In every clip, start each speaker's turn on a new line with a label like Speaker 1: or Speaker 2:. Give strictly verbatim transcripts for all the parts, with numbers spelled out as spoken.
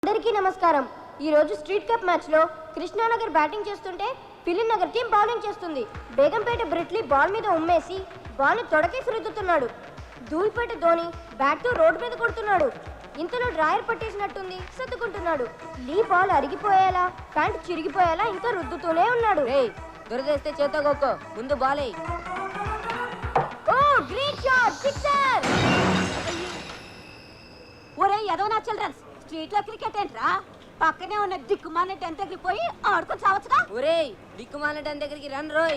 Speaker 1: అందరికీ నమస్కారం. ఈ రోజు స్ట్రీట్ కప్ మ్యాచ్ లో కృష్ణానగర్ బ్యాటింగ్ చేస్తుంటే ఫిలిం నగర్ టీం బౌలింగ్ చేస్తుంది. బేగంపేట బ్రిట్లీ బాల్ మీద ఉమ్మేసి బాల్ ని తొడకేసి రుద్దుతున్నాడు. ధూల్పేట ధోని బ్యాట్ తో రోడ్డు మీద కొడుతున్నాడు. ఇంతలో డ్రాయర్ పట్టేసినట్టుంది, సర్దుకుంటున్నాడు. లీ బాల్ అరిగిపోయేలా ప్యాంట్ చిరిగిపోయేలా ఇంకా రుద్దుతూనే ఉన్నాడు.
Speaker 2: దొరికేస్తే చేతో గొక్కో, ముందు బాలే.
Speaker 1: ఓ గ్రేట్ షాట్, సిక్సర్!
Speaker 2: ఒరే యదవనా చిల్డ్రన్స్, స్ట్రీట్ లో క్రికెట్ ఏంట్రా? పక్కనే ఉన్న దిక్కుమాలిన టెన్ దగ్గరికి పోయి ఆడుకొని చావచ్చుగా. ఒరే దిక్కుమాలిన టెన్ దగ్గరికి రన్ రోయ్.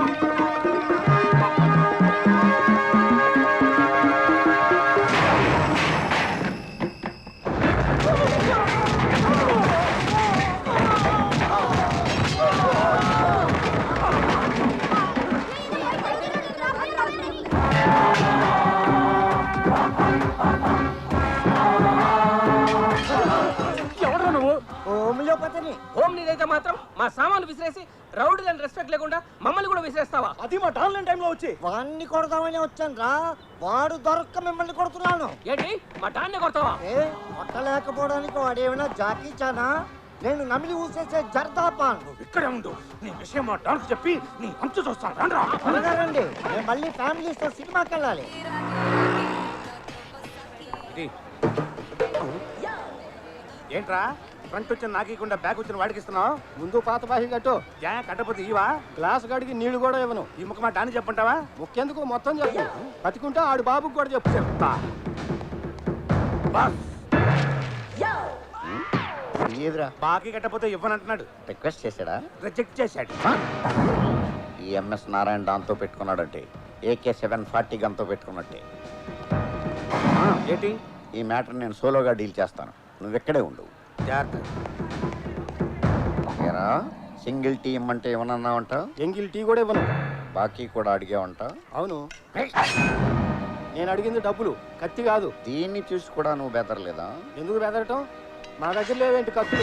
Speaker 3: హోమ్ నీదైతే మాత్రం మా సామాన్లు విసిరేసి రౌడీలను రెస్పెక్ట్ లేకుండా మమ్మల్ని కూడా విసిరేస్తావా?
Speaker 4: అది మా టాన్లైన్ టైంలో వచ్చి వాడిని కొడదామని వచ్చాను రా. వాడు దొరక్క మిమ్మల్ని కొడుతున్నాను.
Speaker 3: ఏంటి మా టాన్నే కొడతావా?
Speaker 4: ఏ కొట్టలేకపోవడానికి వాడు ఏమైనా జాకీ చానా? నేను నమిలి ఊసేసే జర్దాపాన్.
Speaker 5: ఇక్కడే ఉండు, నీ విషయం మా డాన్స్ చెప్పి నీ అంచు చూస్తాను.
Speaker 4: రండి, నేను మళ్ళీ ఫ్యామిలీస్తో సినిమాకి వెళ్ళాలి.
Speaker 5: ఏంట్రా ఫ్రంట్ వచ్చిన నాకీకుండా బ్యాక్ వచ్చిన వాడికి ఇస్తున్నావు?
Speaker 4: ముందు పాత బాహి కట్టు.
Speaker 5: యా కట్టపోతే ఇవా?
Speaker 4: గ్లాస్ గడికి నీళ్లు కూడా ఇవ్వను.
Speaker 5: ఈ ముఖ మా డాన్ని చెప్పంటావా?
Speaker 4: ముఖ్యందుకు మొత్తం చెప్పు. బతికుంటే ఆడు బాబుకి కూడా చెప్పు.
Speaker 5: చెప్తా. బాస్
Speaker 4: ఏదిరా
Speaker 5: బాకీ కట్టపోతే ఇవ్వనంటున్నాడు.
Speaker 4: రిక్వెస్ట్ చేశాడా?
Speaker 5: రిజెక్ట్ చేశాడు.
Speaker 4: ఈ ఎంఎస్ నారాయణ దాంతో పెట్టుకున్నాడంటే ఏకే సెవెన్ ఫార్టీ గన్తో పెట్టుకున్నట్టే.
Speaker 5: ఏంటి?
Speaker 4: ఈ మ్యాటర్ నేను సోలోగా డీల్ చేస్తాను, నువ్వు ఎక్కడే ఉండు.
Speaker 5: జాగ్రత్త.
Speaker 4: సింగిల్ టీ ఇమ్మంటే ఏమన్నా ఉంటావు?
Speaker 5: ఎంగిల్ టీ కూడా ఇవ్వను.
Speaker 4: బాకీ కూడా అడిగే ఉంటావు?
Speaker 5: అవును, నేను అడిగింది డబ్బులు, కత్తి కాదు.
Speaker 4: దీన్ని చూసి కూడా నువ్వు బెదరలేదా?
Speaker 5: ఎందుకు బెదరటం? మా దగ్గర లేవేంటి కత్తులు?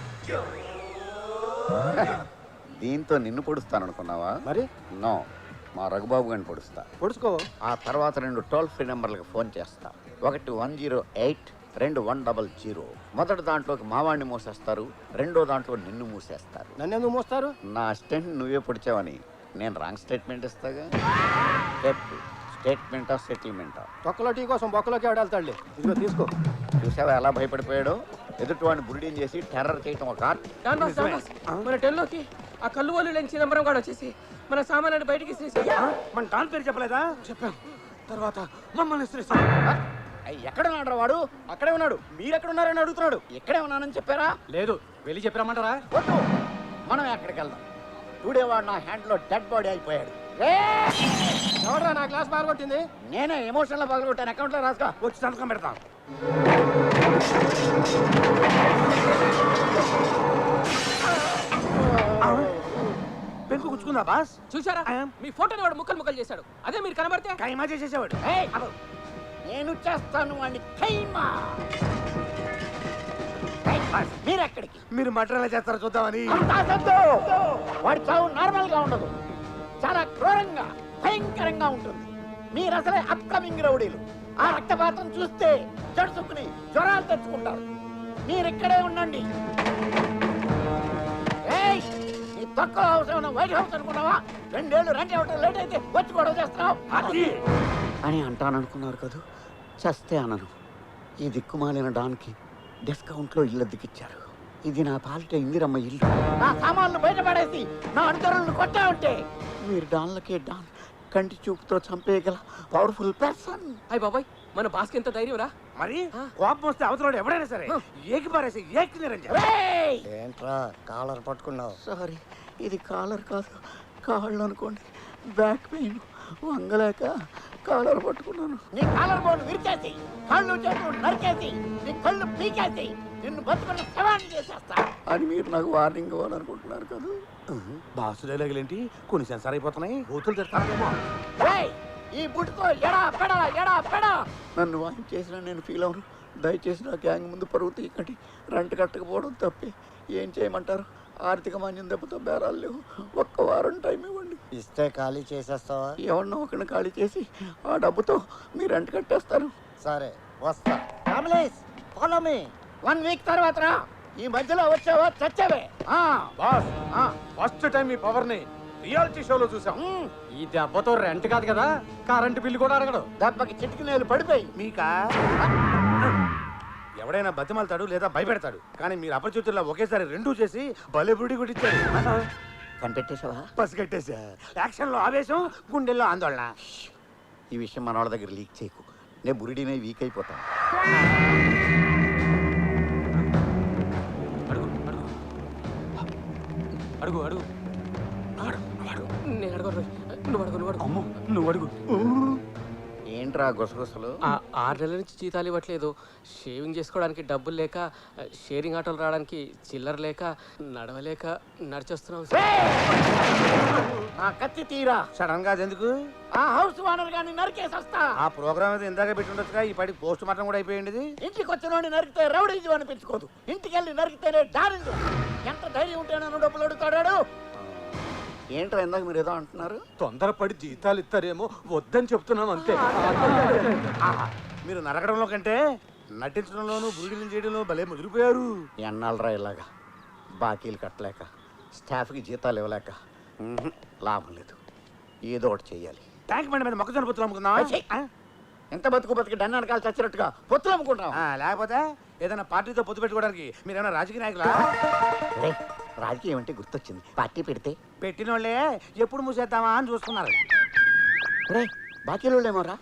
Speaker 4: దీంతో నిన్ను పొడుస్తాను అనుకున్నావా?
Speaker 5: మరి
Speaker 4: నో, మా రఘుబాబు గారిని పొడుస్తా.
Speaker 5: పొడుచుకో.
Speaker 4: ఆ తర్వాత రెండు టోల్ ఫ్రీ నెంబర్లకు ఫోన్ చేస్తా. ఒకటి వన్ జీరో ఎయిట్, రెండు వన్ డబల్ జీరో. మొదటి దాంట్లోకి మావాడిని మూసేస్తారు, రెండో దాంట్లో నిన్ను మూసేస్తారు.
Speaker 5: నన్ను ఎందుకు మోస్తారు?
Speaker 4: నా అసిస్టెంట్ నువ్వే పొడిచావని నేను రాంగ్ స్టేట్మెంట్ ఇస్తాగా. చెప్పు, స్టేట్మెంటా సెటిల్మెంటా?
Speaker 5: తొక్కలో టీ కోసం బొక్కలోకి ఆడేళ్తాడులే. ఇదిగో తీసుకో.
Speaker 4: చూసావా ఎలా భయపడిపోయాడో? ఎదుటి వాడిని బురిడీని చేసి టెర్రర్ చేయటం ఒక ఆర్ట్.
Speaker 3: మన టెన్లోకి ఆ కళ్ళు వాళ్ళు లేని చిదంబరం కూడా వచ్చేసి మన సామాన్లను బయటికి
Speaker 5: మన డాన్ పేరు చెప్పలేదా?
Speaker 3: చెప్పాం.
Speaker 5: తర్వాత మమ్మల్ని
Speaker 4: ఎక్కడ ఉన్నాడు వాడు? అక్కడే ఉన్నాడు. మీరు ఎక్కడ ఉన్నారని అడుగుతున్నాడు. ఎక్కడే ఉన్నానని చెప్పారా?
Speaker 5: లేదు, వెళ్ళి చెప్పామంటారా?
Speaker 4: వద్దు, మనం ఎక్కడికి వెళ్దాం. టుడే వాడు నా హ్యాండ్ లో డెడ్ బాడీ అయిపోయాడు.
Speaker 5: ఎవడరా నా క్లాస్ బాగొట్టింది?
Speaker 4: నేనే ఎమోషన్ లో పగలగొట్టాను. అకౌంట్ లో రాసుకో.
Speaker 5: వచ్చి సంతకం పెడతాం. పెంకు గుచ్చుకుందా బాస్?
Speaker 3: చూసారా, మీ ఫోటోని వాడు ముక్కలు ముక్కలు చేశాడు. అదే మీరు కనబడితే
Speaker 5: కైమా చేసేసేవాడు.
Speaker 4: నేను చేస్తాను వాడిని ఖైమా. మీరెక్కడికి?
Speaker 5: మీరు మటన్ ఎలా చేస్తారో చూద్దామని.
Speaker 4: వాడి చావు నార్మల్ గా ఉండదు, చాలా క్రూరంగా భయంకరంగా ఉంటుంది. మీరు అసలే అప్కమింగ్ రౌడీలు. ఆ రక్తపాతం చూస్తే జడుసుకుని జ్వరాలు తెచ్చుకుంటారు. మీరిక్కడే ఉండండి. నీ తక్కువ హౌస్ ఏమన్నా వైట్ హౌస్ అనుకున్నావా? రెండేళ్లు రెంట్ ఇవ్వటం లేట్ అయితే వచ్చి గొడవ చేస్తున్నావు అని అంటాననుకున్నారు కదా. చస్తే అనను. ఈ దిక్కుమాలిన డాన్కి డిస్కౌంట్లో ఇల్లు దిక్కిచ్చారు. ఇది నా పాలిట ఇందిరమ్మ ఇల్లు. నా సామాన్లు బయటపడేసి నా అనుచరులను కొట్టా ఉంటే మీరు డాన్లకే డాన్ కంటి చూపుతో చంపేయగల పవర్ఫుల్ పర్సన్.
Speaker 3: అయ్య బాబాయ్, మన బాస్కి ఎంత ధైర్యం రా.
Speaker 5: మరి కోపం వస్తే అవతల ఎవడైనా సరే ఏకి పారేసి ఏకి నిరంజన్.
Speaker 4: ఏంట్రా కాలర్ పట్టుకున్నావు? సారీ, ఇది కాలర్ కాదు, కాళ్ళు అనుకోండి. బ్యాక్ పెయిన్ వంగలేక కాలర్ పట్టుకున్నాను. నీ కాలర్ బోన్ విరిచేసి కళ్ళు చేతులు నరికేసి నీ కళ్ళు పీకేసి నిన్ను బతుకున్న శవాన్ని చేసేస్తా అని మీరు నాకు వార్నింగ్ ఇవ్వాలనుకుంటున్నారు కదా.
Speaker 5: బాసు డైలాగులేంటి కొన్ని సెన్సార్ అయిపోతున్నాయి. బూతులు తెస్తానేమో.
Speaker 4: ఈ బుట్టుతో ఎడా పెడా ఎడా పెడా నన్ను వాయిన్ చేసిన నేను ఫీల్ అవను. దయచేసి నా గ్యాంగ్ ముందు పరువు తీయకండి. రెంట్ కట్టకపోవడం తప్పే. ఏం చేయమంటారు? ఆర్థిక మాన్యం దెబ్బతో బేరాలు లేవు. ఒక్క వారం టైం ఇవ్వండి. ఇస్తే ఖాళీ చేసేస్తావా? ఎవరినో ఒకరిని ఖాళీ చేసి ఆ డబ్బుతో మీరు రెంట్ కట్టేస్తారు. సరే వస్తా. Follow me. వన్ వీక్ తర్వాత రా. ఈ మధ్యలో వచ్చావా చచ్చావే. ఆ,
Speaker 5: బాస్
Speaker 4: ఆ.
Speaker 5: ఫస్ట్ టైం మీ పవర్ ని రియాలిటీ షోలో చూసాం.
Speaker 4: ఉమ్,
Speaker 6: ఈ దెబ్బతో రెంట్ కాదు కదా కరెంటు బిల్లు కూడా అడగడు.
Speaker 4: దెబ్బకి చిటికి నేలు పడిపోయి.
Speaker 5: మీకా ఎవడైనా బతిమాలతాడు లేదా భయపెడతాడు, కానీ మీరు అపరిచితుల్లో ఒకేసారి రెండూ చేసి భలే బుడి కొట్టించారు.
Speaker 4: కనిపెట్టేశావా?
Speaker 5: పసిగట్టేశా. యాక్షన్ లో ఆవేశం, గుండెల్లో ఆందోళన.
Speaker 4: ఈ విషయం మన వాళ్ళ దగ్గర లీక్ చేయకు. నేను బురిడినే వీక్ అయిపోతాను.
Speaker 3: అడుగు అడుగు అడుగు అడుగు నేను అడుగు నువ్వు అడుగు నువ్వు అడుగు
Speaker 6: అమ్ము నువ్వు అడుగు.
Speaker 4: ఏంట్రా గుసగుసలు?
Speaker 3: ఆ ఆరు నెలల నుంచి జీతాలు ఇవ్వట్లేదు. షేవింగ్ చేసుకోవడానికి డబ్బులు లేక, షేరింగ్ ఆటోలు రావడానికి చిల్లర లేక, నడవలేక నడిచొస్తున్నాం సార్.
Speaker 4: నా కత్తి తీరా.
Speaker 5: సడన్ గా ఎందుకు?
Speaker 4: ఆ హౌస్ ఓనర్ గాని నరికేసొస్తా.
Speaker 5: ఆ ప్రోగ్రామ్ అయితే ఇందాక పెట్టి ఉండొచ్చుగా, ఈ పాటి పోస్ట్ మార్టం కూడా అయిపోయింది.
Speaker 4: ఇంటికి వచ్చినోడిని నరికితే రౌడీజం అనిపించుకోదు. ఇంటికి వెళ్ళి నరికితేనే డారింగ్. ఎంత ధైర్యం ఉంటే నన్ను డబ్బులు అడుగుతాడాడు. ఏంట్రా ఇందాక మీరు ఏదో అంటున్నారు?
Speaker 6: తొందరపడి జీతాలు ఇస్తారేమో వద్దని చెప్తున్నాం అంతే.
Speaker 5: ఆహా, మీరు నరకడంలో కంటే నటించడంలోనూ బుల్డింగ్ చేయడంలో భలే ముదిరిపోయారు.
Speaker 4: ఎన్నాళ్ళరా ఇలాగా బాకీలు కట్టలేక, స్టాఫ్కి జీతాలు ఇవ్వలేక ఉహుం, లాభం లేదు. ఏదో ఒకటి చెయ్యాలి.
Speaker 5: ట్యాంక్ బండి మీద మొక్కజొన్న పొత్తులు అమ్ముకుందాం.
Speaker 4: ఛీ! ఎంత బతుకు బతికి డన్ అనకాలు చచ్చినట్టుగా పొత్తులు అమ్ముకుంటాం.
Speaker 5: లేకపోతే ఏదైనా పార్టీతో పొత్తు పెట్టుకోవడానికి మీరేమైనా రాజకీయ నాయకులా?
Speaker 4: రేయ్, రాజకీయం అంటే గుర్తొచ్చింది. పార్టీ పెడితే
Speaker 5: పెట్టిన వాళ్ళే ఎప్పుడు మూసేద్దామా అని చూస్తున్నారు.
Speaker 4: రే బాకీలు ఏమోరా.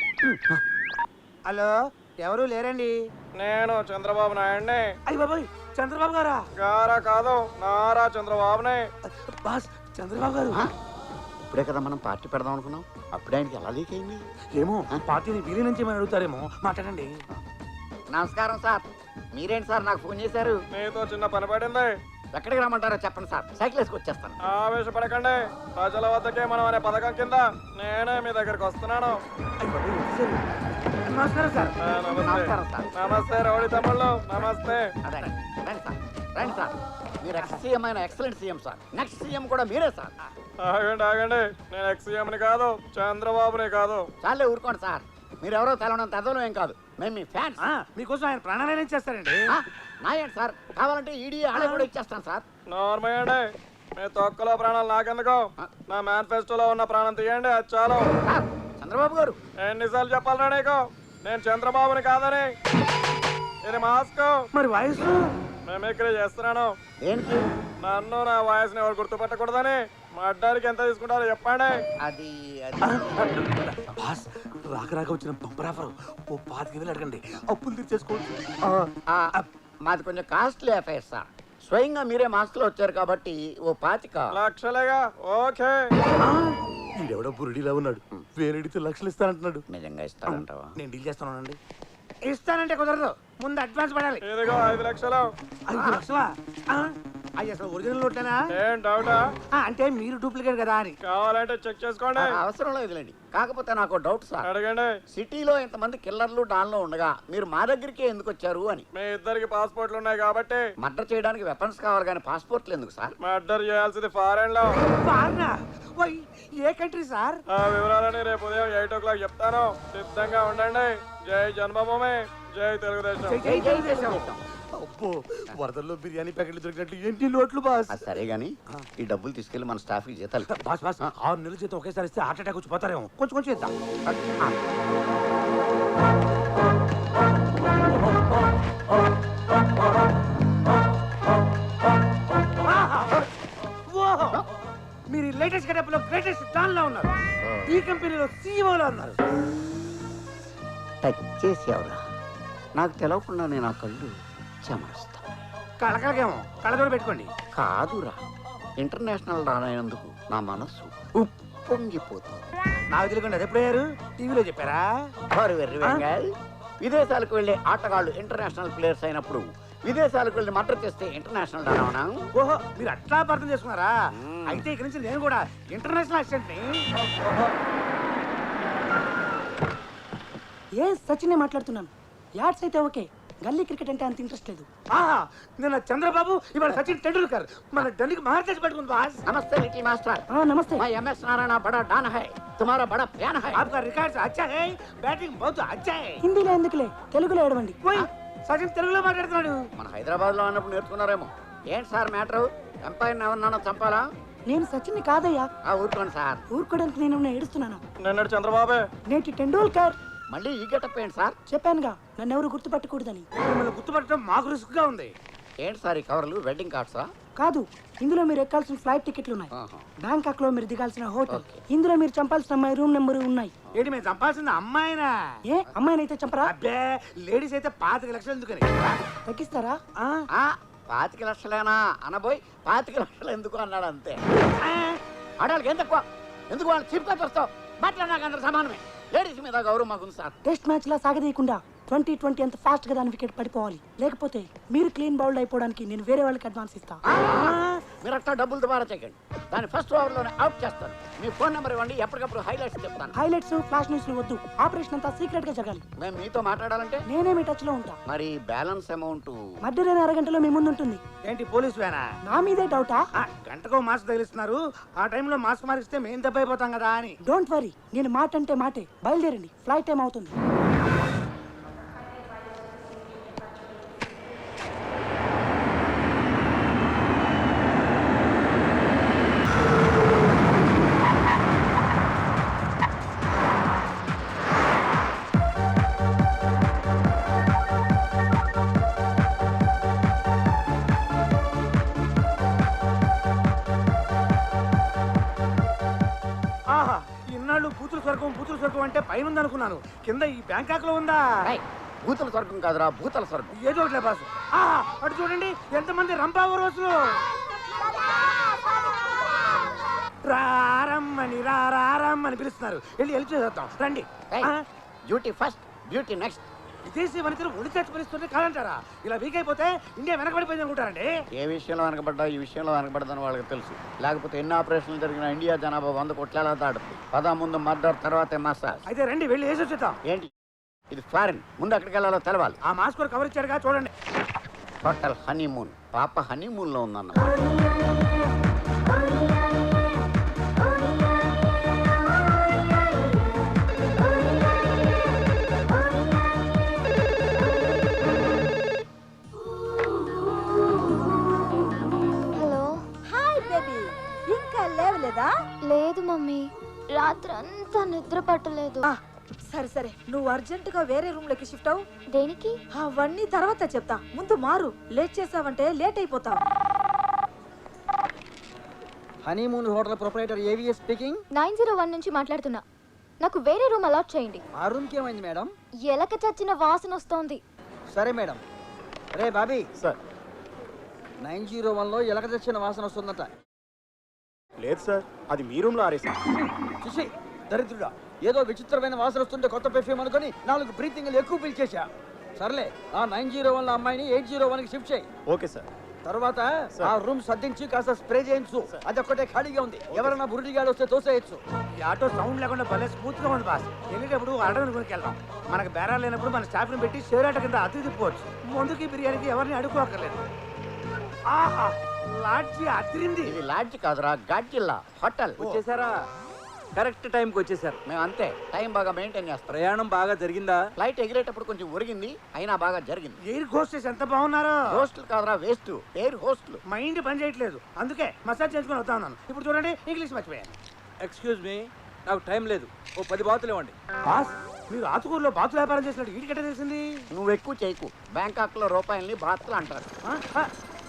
Speaker 5: హలో, ఎవరు లేరండి?
Speaker 7: నేను చంద్రబాబు నాయుడిని.
Speaker 5: అయ్యి బాబాయ్, చంద్రబాబు గారా?
Speaker 7: గారా కాదు, నారా చంద్రబాబుని.
Speaker 5: బాస్, చంద్రబాబు గారు.
Speaker 4: ఇప్పుడే కదా మనం పార్టీ పెడదాం అనుకున్నాం. అప్పుడే ఆయనకి ఎలా లీక్ అయింది?
Speaker 5: ఏమో, పార్టీని వీరి నుంచి ఏమైనా అడుగుతారేమో. మాట్లాడండి.
Speaker 4: నమస్కారం సార్. మీరేంటి సార్ నాకు ఫోన్ చేశారు?
Speaker 7: మీతో చిన్న పని పడింది.
Speaker 4: ఎక్కడికి రమ్మంటారో చెప్పండి సార్, సైకిల్ వేసుకు వచ్చేస్తాను.
Speaker 7: ఆవేశపడకండి. ప్రజల వద్దకే మనం అనే పథకం కింద నేనే మీ దగ్గరికి వస్తున్నాను.
Speaker 5: అయ్యి బాబాయ్, వచ్చేసారు. నమస్కారం సార్.
Speaker 7: ఆ, నమస్తే.
Speaker 4: నమస్కారం సార్.
Speaker 7: నమస్తే రౌడీ తమ్ముళ్ళు, నమస్తే.
Speaker 4: అదే రండి సార్, రండి సార్. మీరు ఎక్స్ సీఎం అయిన excellent CM sir. Next CM కూడా మీరే సార్.
Speaker 7: ఆగండి ఆగండి, నేను ఎక్స్ సీఎంని కాదు, చంద్రబాబుని కాదు.
Speaker 4: చాలే ఊరుకోండి సార్. మీరెవరో తెలవనంత అదనం ఏం కాదు. మేము మీ ఫ్యాన్స్.
Speaker 5: ఆ, మీకోసం ఆయన ప్రాణాలయం చేస్తారండి.
Speaker 4: నాయండి సార్. కావాలంటే ఈడీ ఆడే కూడా ఇచ్చేస్తాను సార్.
Speaker 7: నార్మల్ అండి, మీ తొక్కలో ప్రాణాలు నాకెందుకు? నా మేనిఫెస్టోలో ఉన్న ప్రాణం తీయండి, అది చాలు.
Speaker 4: సార్, చంద్రబాబు గారు.
Speaker 7: ఎన్నిసార్లు చెప్పాలరా నీకు నేను చంద్రబాబుని కాదని? ఇది మాస్క్.
Speaker 5: మరి వాయిస్
Speaker 7: మిమిక్రీ చేస్తున్నాను.
Speaker 4: దేనికి?
Speaker 7: నన్ను నా వాయిస్ని ఎవరు గుర్తుపట్టకూడదని. మా అడ్డానికి ఎంత తీసుకుంటారో చెప్పండి.
Speaker 4: అది అది
Speaker 5: బాస్, రాక రాక వచ్చిన బంపర్ ఆఫర్. ఓ పాతికి వేలు అడగండి, అప్పులు తీర్చేసుకోవచ్చు.
Speaker 4: ఆ, మాది కొంచెం కాస్ట్లీ అఫైర్ సార్. స్వయంగా మీరే మాస్క్లో వచ్చారు కాబట్టి ఓ పాతిక.
Speaker 7: లక్షలేగా, ఓకే.
Speaker 5: ఈడెవడో బురుడిలా ఉన్నాడు, వేరెడితే లక్షలు ఇస్తానంటున్నాడు.
Speaker 4: నిజంగా ఇస్తారంటావా?
Speaker 5: నేను డీల్ చేస్తానండి. ఇస్తానంటే కుదరదు, ముందు అడ్వాన్స్ పడాలి.
Speaker 7: ఇదిగో ఐదు లక్షలు.
Speaker 5: ఐదు లక్షలా? ఆ, అయ్యి అసలు ఒరిజినల్ నోట్లేనా?
Speaker 7: ఏం డౌటా?
Speaker 5: ఆ, అంటే మీరు డూప్లికేట్ కదా అని.
Speaker 7: కావాలంటే చెక్ చేసుకోండి.
Speaker 4: ఆ, అవసరం లేదులేండి. కాకపోతే నాకు డౌట్ సార్.
Speaker 7: అడగండి.
Speaker 4: సిటీలో ఇంతమంది కిల్లర్లు డాన్లో ఉండగా మీరు మా దగ్గరికి ఎందుకు వచ్చారు అని.
Speaker 7: మీ ఇద్దరికి పాస్పోర్ట్లు ఉన్నాయి కాబట్టి.
Speaker 4: మర్డర్ చేయడానికి వెపన్స్ కావాలి కానీ పాస్పోర్ట్లు ఎందుకు సార్?
Speaker 7: మర్డర్ చేయాల్సింది ఫారెన్ లో.
Speaker 5: బాగా ఓయ్, ఏ కంట్రీ సార్?
Speaker 7: ఆ వివరాలని రేపు ఉదయం ఎయిట్ ఓ క్లాక్ చెప్తాను. సిద్ధంగా ఉండండి. జై జన్మభూమి, జై తెలుగుదేశం.
Speaker 5: జై తెలుగుదేశం. అబ్బో, వరదల్లో బిర్యానీ ప్యాకెట్లు దొరికినట్లు ఏంటి నోట్లు బాస్?
Speaker 4: అది సరే గానీ ఈ డబ్బులు తీసుకెళ్లి మన స్టాఫ్ కి జీతాలు ఇవ్వు.
Speaker 5: బాస్ బాస్, ఆరు నెలల జీతం ఒకేసారి ఇస్తే హార్ట్ అటాక్ వచ్చి పోతారేమో. కొంచెం కొంచెం ఇద్దాం. ఓహో, మీరు లేటెస్ట్ గెటప్ లో గ్రేటెస్ట్ డాన్ లో ఉన్నారు. ఈ కంపెనీలో సీఈఓ లో ఉన్నారు.
Speaker 4: టచ్ చేసేవరా? నాకు తెలవకుండా నేను ఆ కళ్ళు చెమరుస్తా.
Speaker 5: కళకళకేమో కళ్ళజోడు పెట్టుకోండి.
Speaker 4: కాదురా, ఇంటర్నేషనల్ రానైనందుకు నా మనస్సు ఉప్పొంగిపోతుంది.
Speaker 5: నాకు తెలియకుండా అది ఎప్పుడయ్యారు? టీవీలో చెప్పారా?
Speaker 4: వారు వెర్రి వెంగాయ్. విదేశాలకు వెళ్ళే ఆటగాళ్ళు ఇంటర్నేషనల్ ప్లేయర్స్ అయినప్పుడు విదేశాలకు వెళ్ళి మర్డర్ చేస్తే ఇంటర్నేషనల్ రావనా?
Speaker 5: ఓహో, మీరు అట్లా అర్థం చేసుకున్నారా? అయితే ఇక్కడి నుంచి నేను కూడా ఇంటర్నేషనల్ అసిస్టెంట్ ని.
Speaker 8: ఏ సచిన్ మాట్లాడుతున్నాను. యాడ్స్ అయితే ఓకే, గల్లీ క్రికెట్ అంటే అంత ఇంట్రెస్ట్ లేదు.
Speaker 5: ఆహా, నిన్న చంద్రబాబు, ఇవాళ సచిన్ టెండూల్కర్. మన ఢిల్లీకి మహారాజ్ పెట్టుకుంది బాస్.
Speaker 4: నమస్తే లిటిల్ మాస్టర్.
Speaker 8: ఆ, నమస్తే.
Speaker 4: मैं एम एस नारायण बड़ा डान है, तुम्हारा बड़ा फैन है.
Speaker 5: आपका रिकॉर्ड अच्छा है, बैटिंग बहुत अच्छा है.
Speaker 8: హిందీలో ఎందుకులే, తెలుగులో ఏడవండి.
Speaker 5: ఓయ్, సచిన్ తెలుగులో మాట్లాడుతున్నాడు.
Speaker 4: మన హైదరాబాద్ లో ఉన్నప్పుడు నేర్చుకున్నారేమో. ఏంటి సార్ మ్యాటర్? ఎంపైర్ ఎవరినన్నా చంపాలా?
Speaker 8: నేను సచిన్ని కాదయ్యా.
Speaker 4: ఆ ఊరుకోండి సార్.
Speaker 8: ఊరుకోవడానికి నేను ఏడుస్తున్నాను.
Speaker 7: నిన్నటి చంద్రబాబే.
Speaker 8: నేటి టెండూల్కర్.
Speaker 4: మళ్ళీ ఈ గెటప్ ఏంటి సార్?
Speaker 8: చెప్పానుగా నన్ను ఎవరు గుర్తుపట్టకూడదని.
Speaker 5: మిమ్మల్ని గుర్తుపట్టడం మాకు రిస్క్ గా ఉంది.
Speaker 4: ఏంటి సార్ ఈ కవర్లు? వెడ్డింగ్ కార్డ్సా?
Speaker 8: కాదు, ఇందులో మీరు ఎక్కాల్సిన ఫ్లైట్ టికెట్లు ఉన్నాయి.
Speaker 4: ఆహా.
Speaker 8: బ్యాంకాక్ లో మీరు దిగాల్సిన హోటల్,
Speaker 4: ఓకే.
Speaker 8: ఇందులో మీరు చంపాల్సిన అమ్మాయి రూమ్ నెంబర్ ఉన్నాయి.
Speaker 5: ఏంటి మేము చంపాల్సింది అమ్మాయినా?
Speaker 8: ఏ అమ్మాయినైతే చంపరా?
Speaker 5: అబ్బే లేడీస్ అయితే పాతిక లక్షలు ఎందుకని?
Speaker 8: తగ్గిస్తారా?
Speaker 5: ఆ?
Speaker 4: ఆ, పాతిక లక్షలేనా అనబోయి పాతిక లక్షలు ఎందుకు అన్నాడు అంతే. ఆడాళ్ళకి ఏం తక్కువ? ఎందుకు వాళ్ళు చీప్ గా వస్తావు? బట్టలు నాకు అందరు సమానమే. లేడీస్ మీద గౌరవం మాకుంది సార్.
Speaker 8: టెస్ట్ మ్యాచ్ లా సాగదీయకుండా ట్వంటీ ట్వంటీ అంత ఫాస్ట్ గా దాని వికెట్ పడిపోవాలి. లేకపోతే మీరు క్లీన్ బౌల్డ్ అయిపోవడానికి నేను వేరే వాళ్ళకి అడ్వాన్స్ ఇస్తా.
Speaker 4: మీరు అట్లా డబ్బులు దుబారా చేయకండి. దాన్ని ఫస్ట్ ఓవర్ లోనే అవుట్ చేస్తాను. మీ ఫోన్ నెంబర్ ఇవ్వండి, ఎప్పటికప్పుడు హైలైట్స్ చెప్తాను.
Speaker 8: హైలైట్స్ ఫ్లాష్ న్యూస్ వద్దు. ఆపరేషన్ అంతా సీక్రెట్ గా జరగాలి.
Speaker 4: మేము మీతో మాట్లాడాలంటే
Speaker 8: నేనే మీ టచ్ లో ఉంటా.
Speaker 4: మరి బ్యాలెన్స్ అమౌంట్
Speaker 8: మధ్యలో అరగంటలో మీ ముందు ఉంటుంది.
Speaker 5: ఏంటి పోలీస్ వేనా?
Speaker 8: నా మీదే డౌటా?
Speaker 5: ఆ, గంటకో మాస్క్ తగిలిస్తున్నారు. ఆ టైంలో మాస్క్ మారిస్తే మేము దెబ్బ అయిపోతాం కదా అని.
Speaker 8: డోంట్ వరీ, నేను మాట అంటే మాటే. బయలుదేరండి, ఫ్లైట్ టైం అవుతుంది.
Speaker 5: ఆహా, ఇన్నాళ్ళు బూతులు స్వర్గం బూతులు స్వర్గం అంటే పైన ఉందనుకున్నాను. కింద ఈ బ్యాంకాక్ లో ఉందా?
Speaker 4: భూతల స్వర్గం కాదురా, భూతల స్వర్గం.
Speaker 5: ఏదో ఒకట్లే బాసు. ఆహా, అటు చూడండి ఎంతమంది రంపావు రోజులు. రారమ్మని రారమ్మని పిలుస్తున్నారు. వెళ్ళి వెళ్ళి చేద్దాం రండి. ఆ,
Speaker 4: డ్యూటీ ఫస్ట్, బ్యూటీ నెక్స్ట్.
Speaker 5: విదేశీ వనితలు ఒడి చచ్చి పిలుస్తుంటే కాదంటారా? ఇలా వీక్ అయిపోతే ఇండియా వెనకబడిపోయింది అనుకుంటారండి.
Speaker 4: ఏ విషయంలో వెనకబడ్డా ఈ విషయంలో వెనకబడదని వాళ్ళకి తెలుసు. లేకపోతే ఎన్ని ఆపరేషన్లు జరిగిన ఇండియా జనాభా వంద కోట్ల దాడుతుంది. పదా ముందు మర్డర్, తర్వాతే మసాజ్.
Speaker 5: అయితే రండి వెళ్ళి వేసి వచ్చేద్దాం.
Speaker 4: ఏంటి ఇది? ఫారిన్. ముందు అక్కడికి వెళ్ళాలో తెలవాలి.
Speaker 5: ఆ మాస్క్ కూడా కవర్ ఇచ్చాడుగా చూడండి.
Speaker 4: Hotel honeymoon. పాప హనీమూన్ లో ఉందన్న.
Speaker 1: హలో.
Speaker 2: హాయ్ బేబీ, ఇంకా లేవలేదా?
Speaker 1: లేదు మమ్మీ, రాత్రి అంతా నిద్ర పట్టలేదు.
Speaker 2: ఆ, సరే సరే, నువ్వు అర్జెంట్ గా వేరే రూమ్ లోకి షిఫ్ట్ అవు.
Speaker 1: దేనికి?
Speaker 2: అవన్నీ తర్వాత చెప్తా, ముందు మారు. లేట్ చేసావంటే లేట్ అయిపోతావు.
Speaker 9: Honeymoon hotel proprietor AVS speaking.
Speaker 1: Nine zero one నుంచి మాట్లాడుతున్నా. నాకు వేరే రూమ్ అలాట్ చేయండి.
Speaker 9: ఆ రూమ్కి ఏమైంది మేడం?
Speaker 1: ఎలక చచ్చిన వాసన వస్తోంది.
Speaker 9: సరే మేడం. రే బాబీ
Speaker 5: సార్.
Speaker 9: నైన్ జీరో వన్లో ఎలక తెచ్చిన వాసన వస్తుందట.
Speaker 5: లేదు సార్, అది మీ రూమ్ లో ఆరేసా.
Speaker 9: చూసి దరిద్రుడా, ఏదో విచిత్రమైన వాసన వస్తుంటే కొత్త పెర్ఫ్యూమ్ అనుకుని నాలుగు బ్రీతింగ్లు ఎక్కువ పిలిచేశా. సర్లే, ఆ నైన్ జీరో వన్ అమ్మాయిని ఎయిట్ జీరో వన్ కి షిఫ్ట్ చేయి.
Speaker 5: Okay sir.
Speaker 9: తర్వాత ఆ రూమ్ సర్దించి కాస్త స్ప్రే చేయించు. అది ఒక్కటే ఖాళీగా ఉంది. ఎవరైనా బురుడిగాడు వస్తే తోసేయచ్చు.
Speaker 5: ఈ ఆటో సౌండ్ లేకుండా భలే స్మూత్ గా ఉంది బాస్. వెళ్ళేటప్పుడు అడవిని కొనుక్కి వెళ్దాం. మనకు బేరాలు లేనప్పుడు మన స్టాఫ్ ని పెట్టి షేర్ ఆట కింద అతిథి తిప్పుకోవచ్చు. ముందుకి బిర్యానీకి ఎవరిని అడుక్కోక్కర్లేదు. ఆహా, లాడ్జి అదిరింది.
Speaker 4: ఇది లాడ్జ్ కాదురా, గాడ్జిల్లా హోటల్.
Speaker 9: వచ్చేసారా? కరెక్ట్ టైంకి వచ్చేసారు.
Speaker 4: మేము అంతే, టైం బాగా మెయింటైన్ చేస్తాం.
Speaker 9: ప్రయాణం బాగా జరిగిందా?
Speaker 4: ఫ్లైట్ ఎగిరేటప్పుడు కొంచెం ఒరిగింది, అయినా బాగా జరిగింది.
Speaker 5: ఎయిర్ హోస్టెస్ ఎంత బాగున్నారో.
Speaker 4: హోస్టల్ కాదురా, వేస్ట్. Air hostel.
Speaker 5: మైండ్ పని చేయట్లేదు, అందుకే మసాజ్ చేసుకుని వస్తా ఉన్నాను. ఇప్పుడు చూడండి, ఇంగ్లీష్ మర్చిపోయాను.
Speaker 9: ఎక్స్క్యూజ్ మీ, నాకు టైం లేదు. ఓ పది బాతులు ఇవ్వండి.
Speaker 5: బాస్, మీరు ఆతుకూరులో బాతుల వ్యాపారం చేసినట్టు వీటికెట్ట తెలిసింది?
Speaker 4: నువ్వు ఎక్కువ చేయకు. బ్యాంకాక్ లో రూపాయల్ని బాత్లు అంటారు.
Speaker 5: ఆ, ఆ,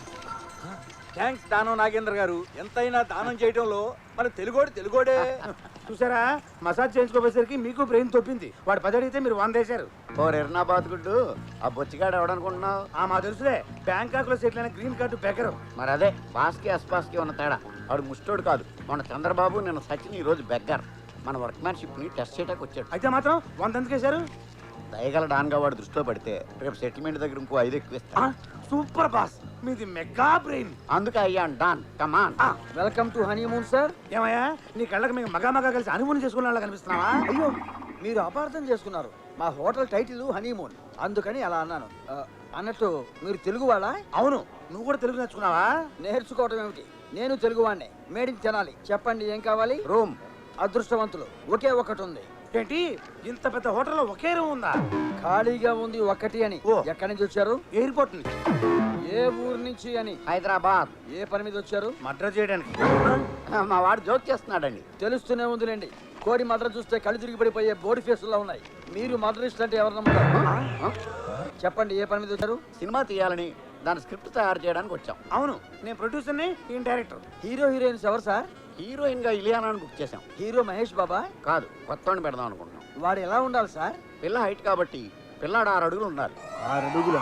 Speaker 9: థ్యాంక్స్ దానం నాగేంద్ర గారు. ఎంతైనా దానం చేయడంలో మన తెలుగోడు తెలుగోడే.
Speaker 5: చూసారా, మసాజ్ చేయించుకోపోయేసరికి మీకు బ్రెయిన్ తొప్పింది. వాడు పది అడిగితే మీరు వంద వేశారు.
Speaker 4: ఓ ఎర్నాబాద్ గుడ్డు, ఆ బొచ్చిగాడు ఎవడనుకుంటున్నావు?
Speaker 5: ఆ మా తెలుసులే, బ్యాంకాక్ లో సెటిల్ అయిన గ్రీన్ కార్డు బెకరు.
Speaker 4: మరి అదే బాస్కి అస్పాస్కి ఉన్న తేడా. వాడు ముష్టోడు కాదు. మన చంద్రబాబు నిన్న సచిన్ ఈ రోజు బెగ్గర్. మన వర్క్మ్యాన్షిప్ ని టెస్ట్ చేయడానికి వచ్చాడు.
Speaker 5: అయితే మాత్రం వంద ఎందుకు వేశారు?
Speaker 4: దయగల డాన్గా వాడు దృష్టిలో పడితే రేపు సెటిల్మెంట్ దగ్గర ఇంకో ఐదు ఎక్కువ ఇస్తా.
Speaker 5: ఆ, సూపర్ బాస్, మీది మెగా బ్రెయిన్.
Speaker 4: అందుకే అయ్యాను don. Come on.
Speaker 9: Welcome to honeymoon sir.
Speaker 5: ఏమయ్యా, నీ కళ్ళకి మేము మగా మగా కలిసి అనుమతి చేసుకున్న వాళ్ళ కనిపిస్తున్నావా?
Speaker 9: అయ్యో, మీరు అపార్థం చేసుకున్నారు. మా హోటల్ టైటిల్ హనీమూన్, అందుకని అలా అన్నాను. ఆ, అన్నట్టు మీరు తెలుగు వాళ్ళా?
Speaker 5: అవును, నువ్వు కూడా తెలుగు నేర్చుకున్నావా?
Speaker 9: నేర్చుకోవటం ఏమిటి, నేను తెలుగు వాడినే. మేడికి తినాలి. చెప్పండి ఏం కావాలి?
Speaker 4: రూమ్.
Speaker 9: అదృష్టవంతులు, ఒకే ఒకటి ఉంది.
Speaker 5: ఏంటి ఇంత పెద్ద హోటల్లో ఒకే రూమ్ ఉందా?
Speaker 9: ఖాళీగా ఉంది ఒకటి అని.
Speaker 5: ఓ.
Speaker 9: ఎక్కడి నుంచి వచ్చారు?
Speaker 5: ఎయిర్పోర్ట్ నుంచి.
Speaker 9: ఏ ఊరు నుంచి అని?
Speaker 4: హైదరాబాద్.
Speaker 9: ఏ పని మీద వచ్చారు?
Speaker 5: మర్డర్ చేయడానికి.
Speaker 4: మా వాడు జోక్ చేస్తున్నాడండి.
Speaker 9: తెలుస్తూనే ఉందిలేండి. కోడి మద్ర చూస్తే కళ్ళు తిరిగి పడిపోయే బోడి ఫేసుల్లో ఉన్నాయి. మీరు మద్రస్ట్ అంటే ఎవరు నమ్ముతారు? చెప్పండి, ఏ పని మీద వచ్చారు?
Speaker 4: సినిమా తీయాలని దాని స్క్రిప్ట్ తయారు చేయడానికి వచ్చాం.
Speaker 5: అవును, నేను ప్రొడ్యూసర్ని, ఈయన డైరెక్టర్.
Speaker 9: హీరో హీరోయిన్స్ ఎవరు సార్?
Speaker 4: హీరోయిన్ గా ఇలియానాని బుక్ చేసాం.
Speaker 9: హీరో మహేష్ బాబా?
Speaker 4: కాదు, కొత్తవాడిని పెడదాం అనుకుంటున్నాం.
Speaker 9: వాడు ఎలా ఉండాలి సార్?
Speaker 4: పిల్ల హైట్ కాబట్టి పిల్లాడు ఆరు అడుగులు ఉండాలి.
Speaker 9: ఆరు అడుగుల.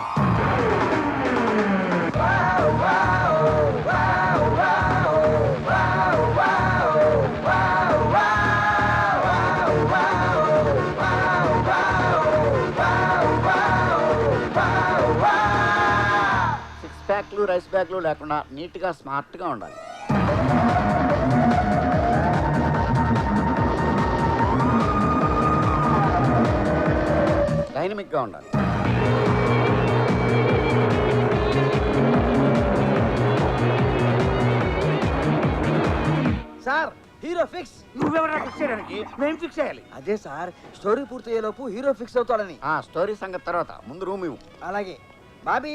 Speaker 4: సిక్స్ ప్యాక్లు రైస్ బ్యాగ్లు లేకుండా నీట్ గా స్మార్ట్ గా ఉండాలి. డైనమిక్ గా ఉండాలి.
Speaker 9: Sir hero fix.
Speaker 5: నువ్వెవరా ఫిక్స్ చేయడానికి? మేము ఫిక్స్ చేయాలి.
Speaker 9: అదే సార్, స్టోరీ పూర్తయ్యేలోపు హీరో ఫిక్స్ అవుతాడని.
Speaker 4: ఆ స్టోరీ సంగతి తర్వాత ముందు రూమ్ ఇవ్వు.
Speaker 9: అలాగే బాబీ.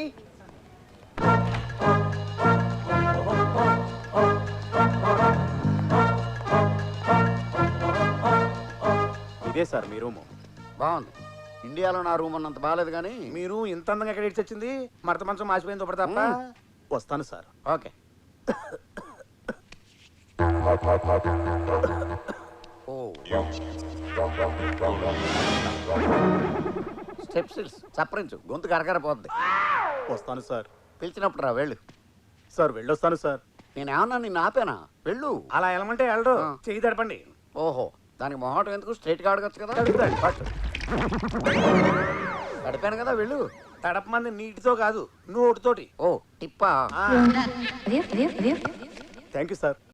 Speaker 6: ఇదే సార్ మీ రూము.
Speaker 4: బాగుంది. ఇండియాలో నా రూమ్ అన్నంత బాగాలేదు కానీ
Speaker 5: మీరు ఇంత అందంగా ఎక్కడ ఇచ్చి వచ్చింది? మరత మంచం మాసిపోయింది ఒకటి తప్ప.
Speaker 6: వస్తాను సార్.
Speaker 4: ఓకే. స్టెప్స్ చప్పరించు, గొంతు కరకరపోద్ది.
Speaker 6: వస్తాను సార్.
Speaker 4: పిలిచినప్పుడు రా, వెళ్ళు.
Speaker 6: సార్ వెళ్ళొస్తాను సార్.
Speaker 4: నేనేమన్నా నిన్ను ఆపేనా? వెళ్ళు.
Speaker 5: అలా వెళ్ళమంటే వెళ్ళడు.
Speaker 4: ఆ.
Speaker 5: చెయ్యి తడపండి.
Speaker 4: ఓహో, దానికి మొహటం ఎందుకు? స్ట్రైట్ గా అడగచ్చు కదా.
Speaker 5: తడుపుతాడు.
Speaker 4: పట్టు. గడిపాను కదా, వెళ్ళు.
Speaker 5: తడపమంది నీటితో కాదు, నోటితోటి.
Speaker 4: ఓ టిప్పా.
Speaker 5: ఆ.
Speaker 6: Thank you sir.